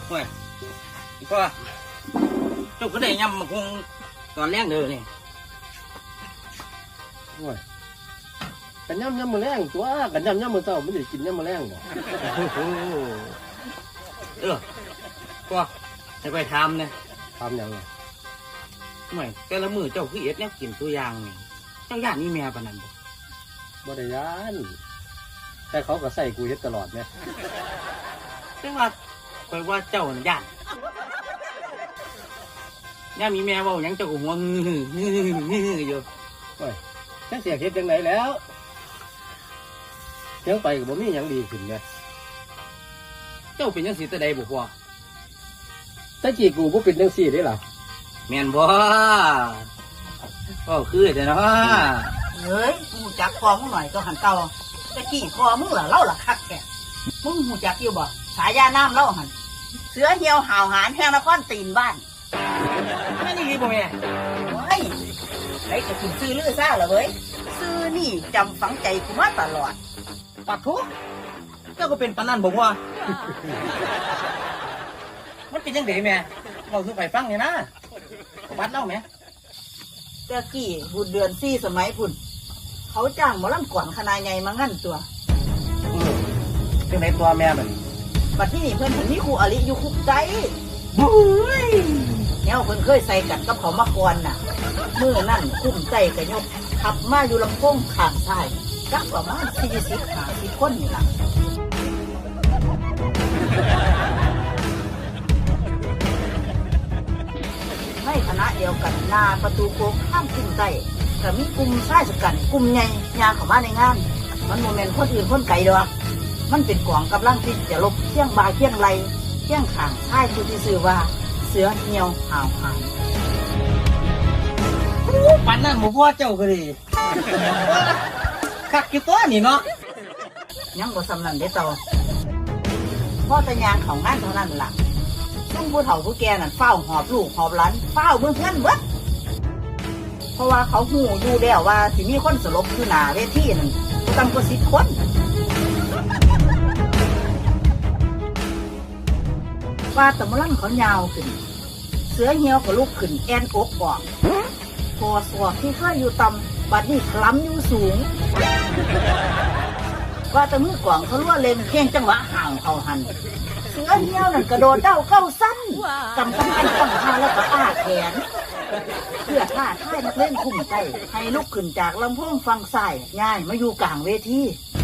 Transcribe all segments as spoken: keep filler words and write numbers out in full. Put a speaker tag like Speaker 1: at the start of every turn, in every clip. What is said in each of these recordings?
Speaker 1: โอ้ยพ่อเจ้าก็ได้ยำมาคงตอนแรกเด้อนี่
Speaker 2: โอ้ยกันย่ำย่ำมือแรงตัวกันย่ำย่ำมือเศร้าไม่ได้กินย่ำมือแรงบ่
Speaker 1: เออพ่อให้ไปทำเนี่ย
Speaker 2: ทำยังไง
Speaker 1: ไม่แต่ละมือเจ้าคือเอ็ดเนี่ยกินตัวอย่างนี่เจ้าย่านนี่แม่ปานนั้นบ่
Speaker 2: บ่ได้ย่านแต่เขาก็ใส่กูเฮ็ดตลอดเนี่ย
Speaker 1: แต่ว่าคอยว่าเจ้าน่ะย่านย่ามีแม่เว้าหยังเจ้าก็หัวงื้องื้องื้ออยู่
Speaker 2: โอ้ยแค่เสียเฮ็ดจังไหนแล้วเที่ยงไปก็บ่มีหยังดีขึ้นเนี่ย
Speaker 1: เจ้าเป็นจังซี่แต่ใดบ่พ่อ
Speaker 2: แต่กี้กูบ่เป็นจังซี่เด้ล่ะ
Speaker 1: แม่นบ่ก็คือแต่เนาะ
Speaker 3: เฮ้ยมึงจักคอมึงหน่อยก็หันเก่าตะกี้คอมึงล่ะเล่าล่ะคักแกมึงหูจักอยู่บ่สายยาน้ำเล่าหันเสือเหี่ยวห่าวหานแห้งนครตีนบ้าน
Speaker 1: แม่นี่รีบบ่แม่
Speaker 3: เฮ้ยไอ้จะถึงซื้อลือซ่าเหรอเว้ยซื้อนี่จำฝังใจกูมาตลอด
Speaker 1: ปัดทุกเจ้าก็เป็นปานนั้นบ่พ่อมันเป็นจังได๋แม่เราสู่ไปฟังนี่นะบัดเล่าแม่
Speaker 3: ตะกี้บุญเดือนสี่สมัยพุ่นเขาจ้างหมอลำก่อนคณะใหญ่มางั้นตัว
Speaker 1: จังได๋ตัวแม่บัด
Speaker 3: บัดที่นี่เพิ่นเพิ่นมีครูอริอยู่คุกใจ
Speaker 1: บุ้ย
Speaker 3: แนวเพิ่นเคยใส่กันกับเขามาก่อนน่ะมื้อนั่นคุ้มใจกะยกขับมาอยู่ลำโพงข้างซ้ายจักประมาณสี่สิบห้าสิบคนนี่ล่ะในคณะเดียวกันหน้าประตูโค้งข้ามขึ้นใต้ก็มีกลุ่มชายชะกันกลุ่มใหญ่ยางเข้ามาในงานมันโมเมนต์คนอื่นคนไกลดอกมันเป็นกองกำลังที่จะลบเที่ยงบาเที่ยงไรเที่ยงขางชายผู้ที่ชื่อว่าเสือเหี่ยวห่าวหาง
Speaker 1: ปันนั่นหมูพ่อเจ้าก็ดีคักกี่ตัวนี่เนาะ
Speaker 3: ยังบ่สำนันได้ต่อพ่อตะยางของงานเท่านั้นล่ะซึ่งผู้เฒ่าผู้แก่นั่นเฝ้าหอบลูกหอบหลานเฝ้าเบื้องเพื่อนเบิดเพราะว่าเขาหูอยู่แล้วว่าสิมีคนสลบคือหน้าเวทีนั่นตั้งกว่าสิบคนว่าตะมะลังเขายาวขึ้นเสือเหี่ยวกับลูกขึ้นแอนอกออกพอสวกที่เคยอยู่ต่ำบัดนี้คล้ำอยู่สูงว่าตะมือกว่างเขาล้วนเล่นเพียงจังหวะห่างเขาหันเสือเหี่ยวนั่นกระโดดเด้าเข้าสั้นกำปั้นตั้งท่าแล้วก็อ้าแขนเพื่อท่าท่ายนักเล่นคุ้มใจให้ลุกขึ้นจากลำโพงฟังซ้ายง่ายมาอยู่กลางเวที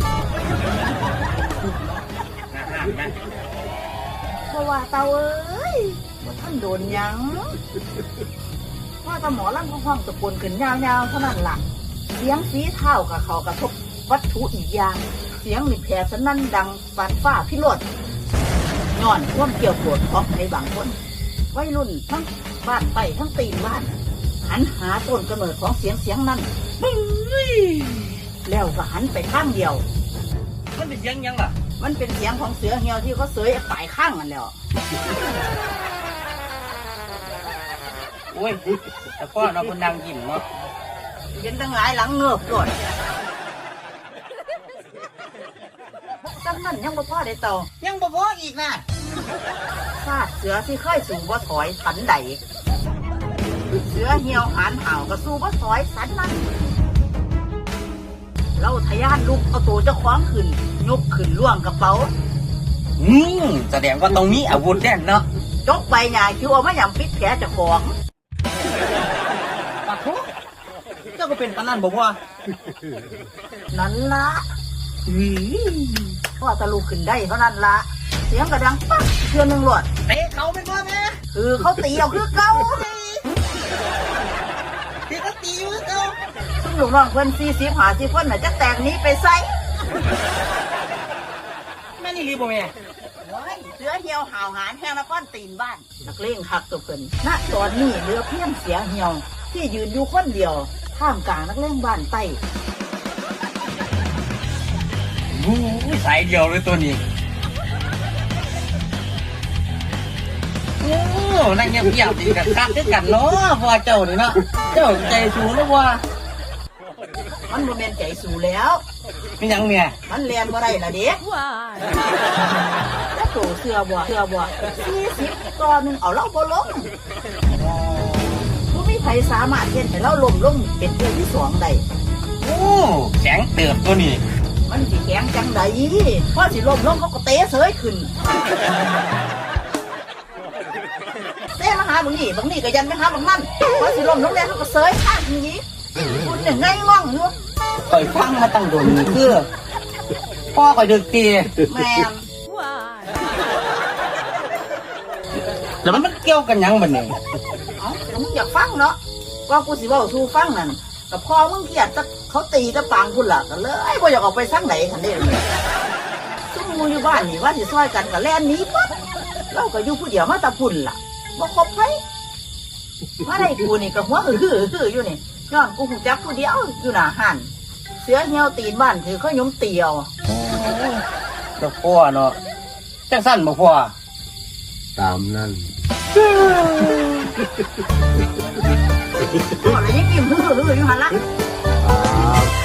Speaker 3: เพราะว่าเตาเอ้ยท่านโดนยังว่าตาหมอลั่นห้องตะโกนขึ้นยาวๆเท่านั้นล่ะเสียงฝีเท้ากับเขากระทบวัตถุอีกอย่างเสียงหลิบแผลสนั่นดังปานฟ้าพิโรธย้อนท่วมเกี่ยวโกรธของในบางคนวัยรุ่นทั้งบ้านไปทั้งตีนบ้านหันหาต้นกำเนิดของเสียงเสียงนั้นแล้วก็หันไปข้างเดียว
Speaker 1: มันเป็นเสียงยังล่ะ
Speaker 3: มันเป็นเสียงของเสือเหี่ยวที่เขาเสยปลายข้างกันแล้ว
Speaker 1: โอ้ยแต่พ่อเราคนดังยิ้มเนาะ
Speaker 3: เย็นตั้งหลายหลังเงือบก่อนตั้งนั้นยังบ่พอได้ต่อ
Speaker 1: ยังบ่พออีกนะ
Speaker 3: ซาดเสือที่เคยสู่บ่ถอยสันใดเสือเหี่ยวหานห่าวก็สู้บ่ถอยสันนั้นเราทะยานลุกเอาตัวเจ้าคว้างขึ้นยกขึ้นล่วงกระเป๋า
Speaker 1: อืมแสดงว่าตรงนี้อาวุธแน่นเนาะ
Speaker 3: จกใบหญ้าคิวเอามาหยำปิดแผลเจ้าของ
Speaker 1: ปะทุเจ้าก็เป็นปานนั้นบ่พ่อ
Speaker 3: นั่นละพ่อตะลุกขึ้นได้เท่านั้นละเสียงกระดังปั๊บเทือนหนึ่งหลอด
Speaker 1: เตะเขาเป็นพ่อแม่
Speaker 3: คือเขาตีเอาคือเก่า
Speaker 1: ที่เขาตีคือเก่า
Speaker 3: ซึ่งลูกน้องเพิ่นสี่สิบห้าสิบคนน่ะจะแตกนี้ไปใส่
Speaker 1: แม่นี่รีบบ่แม่
Speaker 3: เสือเหี่ยวห่าวหานแห้งนครตีนบ้านนักเลงหักตัวเพิ่นณตอนนี้เหลือเพียงเสือเหี่ยวที่ยืนอยู่คนเดียวท่ามกลางนักเลงบ้านใต้
Speaker 1: วู้สายเดียวเลยตัวนี้โอ้นั่งเงียบๆดีกันคักคือกันเนาะพ่อเจ้านี่เนาะเจ้าใจสูงแล้วว่า
Speaker 3: มันโมเมนต์ใจสูงแล้ว
Speaker 1: มียังเมีย
Speaker 3: มันเรียนบ่ได้ละเด็กโตเสือบ่เสือบ่สี่สิบต่อหนึ่งเอาเล่าบ่ลงบ่มีไผสามารถเฮ็ดให้เราล้มลงเป็นเทื่อที่สองได้
Speaker 1: โอ้แข็งเติบตัวนี้
Speaker 3: มันสิแข็งจังไดพอสิล้มลงเขาก็เตะเสยขึ้นเตะมาหาบางนี่บางนี่ก็ยันไปหาบางนั่นพอสิล้มลงแล้วเขาก็เสยข้างนี้คุณเนี่ยไงง่องอยู่
Speaker 1: คอยฟังมาตั้งโดนนี่คือพ่อคอยดึกตี
Speaker 3: แม่น
Speaker 1: แล้วมันเกี่ยวกันหยังบัดนี้
Speaker 3: เอ้าแล้วมึงอยากฟังเนาะว่ากูสิเว้าสู่ฟังนั่นกับพ่อมึงเกลียดจะเขาตีจะปางคุณล่ะก็เลยบ่อยากออกไปสักไหนคันนี้ซุ่มมูอยู่บ้านนี่ว่าสิซอยกันก็แล่นหนีปั๊บเราก็อยู่ผู้เดียวมาแตะพุ่นล่ะบ่คบไผมาได้กูนี่ก็หัวหือหือหืออยู่นี่ย้อนกูหูจักผู้เดียวอยู่หน้าหันเสือเหี่ยวตีนบ้านถือเขายมเตียว
Speaker 1: เจ้าพ่อเนาะจังสั้นบ่พ่อ
Speaker 2: ตามนั่น
Speaker 3: พ่อเลยยังยิ้มหือหืออยู่หันละ
Speaker 2: ครับ